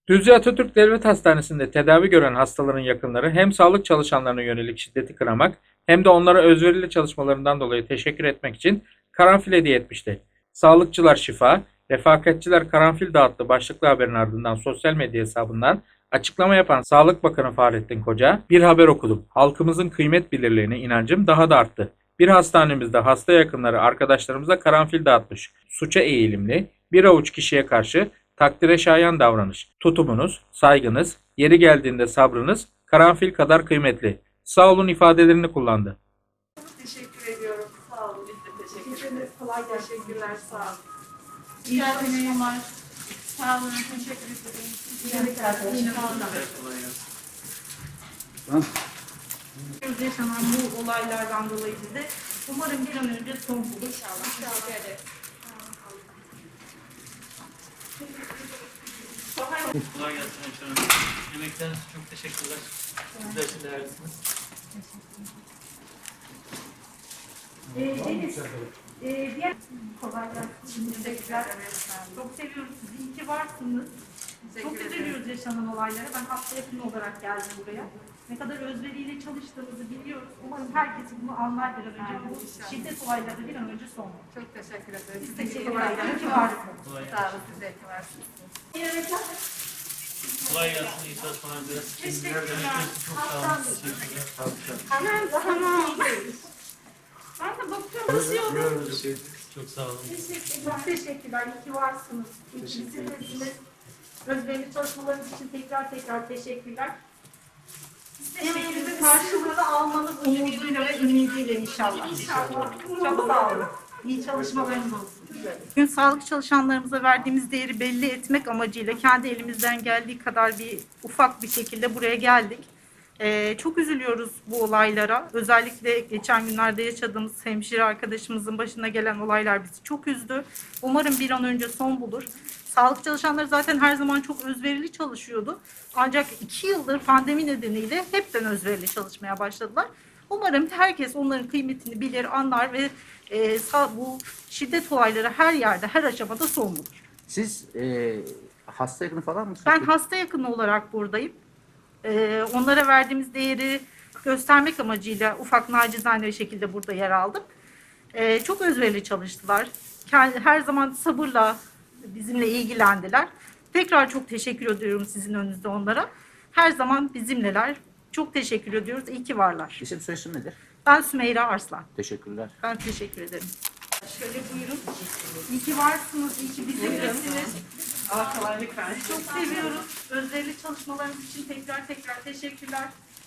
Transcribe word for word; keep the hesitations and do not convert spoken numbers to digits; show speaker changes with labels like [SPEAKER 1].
[SPEAKER 1] Düzce Atatürk Devlet Hastanesi'nde tedavi gören hastaların yakınları hem sağlık çalışanlarına yönelik şiddeti kınamak hem de onlara özverili çalışmalarından dolayı teşekkür etmek için karanfil hediye etmişti. Sağlıkçılar şifa, refakatçiler karanfil dağıttı başlıklı haberin ardından sosyal medya hesabından açıklama yapan Sağlık Bakanı Fahrettin Koca, bir haber okudum. Halkımızın kıymet bilirliğine inancım daha da arttı. Bir hastanemizde hasta yakınları arkadaşlarımıza karanfil dağıtmış. Suça eğilimli, bir avuç kişiye karşı takdire şayan davranış. Tutumunuz, saygınız, yeri geldiğinde sabrınız karanfil kadar kıymetli. Sağ olun ifadelerini kullandı.
[SPEAKER 2] Teşekkür ediyorum. Sağ olun. Biz de teşekkür ederiz.
[SPEAKER 3] Kolay gelsin.
[SPEAKER 2] Teşekkürler. Sağ olun.
[SPEAKER 3] İyi çalışmalar. Sağ olun. Teşekkür ederim.
[SPEAKER 2] İyi arkadaşlar.
[SPEAKER 3] Yaşanan bu olaylardan dolayı bize umarım bir an önce son bulur.
[SPEAKER 2] İnşallah. Teşekkür ederiz.
[SPEAKER 4] Kolay gelsin hemşehrim. Yemekleriniz için çok teşekkürler. Sizler için değerlisiniz.
[SPEAKER 3] Ee, Deniz, e, diğer kolay gelsin. Teşekkürler. Çok seviyoruz sizi. İyi ki varsınız. Çok üzülüyoruz yaşanan olaylara. Ben hafta yakını olarak geldim buraya. Ne kadar özveriyle çalıştığımızı biliyoruz. Umarım herkes bunu anlar bir an önce. Bu şiddet olayları bir an önce son bulur.
[SPEAKER 2] Çok teşekkür ederiz.
[SPEAKER 3] Biz teşekkürler. İyi ki varsınız.
[SPEAKER 4] Kolay
[SPEAKER 2] Sağ
[SPEAKER 4] gelsin.
[SPEAKER 2] olun. Siz de iyi ki varsınız.
[SPEAKER 4] Kolay gelsin. İyi çalışmalar dileriz.
[SPEAKER 3] Teşekkürler.
[SPEAKER 4] Yemekleriniz için çok sağ olun. Teşekkürler.
[SPEAKER 3] Hemen tamam. Ben de bakıyorum. Basıyorum.
[SPEAKER 4] Çok sağ olun.
[SPEAKER 3] Çok teşekkürler. İyi ki varsınız. İyi ki bizimlesiniz. Özverili çalışmalarınız için tekrar tekrar teşekkürler. Emeğinizin karşılığını almanız umuduyla ve ümidiyle inşallah. İnşallah. Çok sağ olun. İyi çalışmalarınız olsun. Bugün sağlık çalışanlarımıza verdiğimiz değeri belli etmek amacıyla kendi elimizden geldiği kadar bir ufak bir şekilde buraya geldik. Ee, çok üzülüyoruz bu olaylara. Özellikle geçen günlerde yaşadığımız hemşire arkadaşımızın başına gelen olaylar bizi çok üzdü. Umarım bir an önce son bulur. Sağlık çalışanları zaten her zaman çok özverili çalışıyordu. Ancak iki yıldır pandemi nedeniyle hepten özverili çalışmaya başladılar. Umarım herkes onların kıymetini bilir, anlar ve e, sağ, bu şiddet olayları her yerde, her aşamada son bulur.
[SPEAKER 5] Siz e, hasta yakını falan mısınız?
[SPEAKER 3] Ben hasta yakını olarak buradayım. Ee, onlara verdiğimiz değeri göstermek amacıyla ufak nacizane bir şekilde burada yer aldım. Ee, çok özverili çalıştılar. Kendi, her zaman sabırla bizimle ilgilendiler. Tekrar çok teşekkür ediyorum sizin önünüzde onlara. Her zaman bizimleler. Çok teşekkür ediyoruz. İyi ki varlar.
[SPEAKER 5] İsim soyisim nedir?
[SPEAKER 3] Ben Sümeyra Arslan.
[SPEAKER 5] Teşekkürler.
[SPEAKER 3] Ben teşekkür ederim. Şöyle buyurun. İyi ki varsınız. İyi ki bizimlesiniz.
[SPEAKER 2] Allah kolaylık versin.
[SPEAKER 3] Çok seviyoruz. Özverili çalışmalarınız için tekrar tekrar teşekkürler.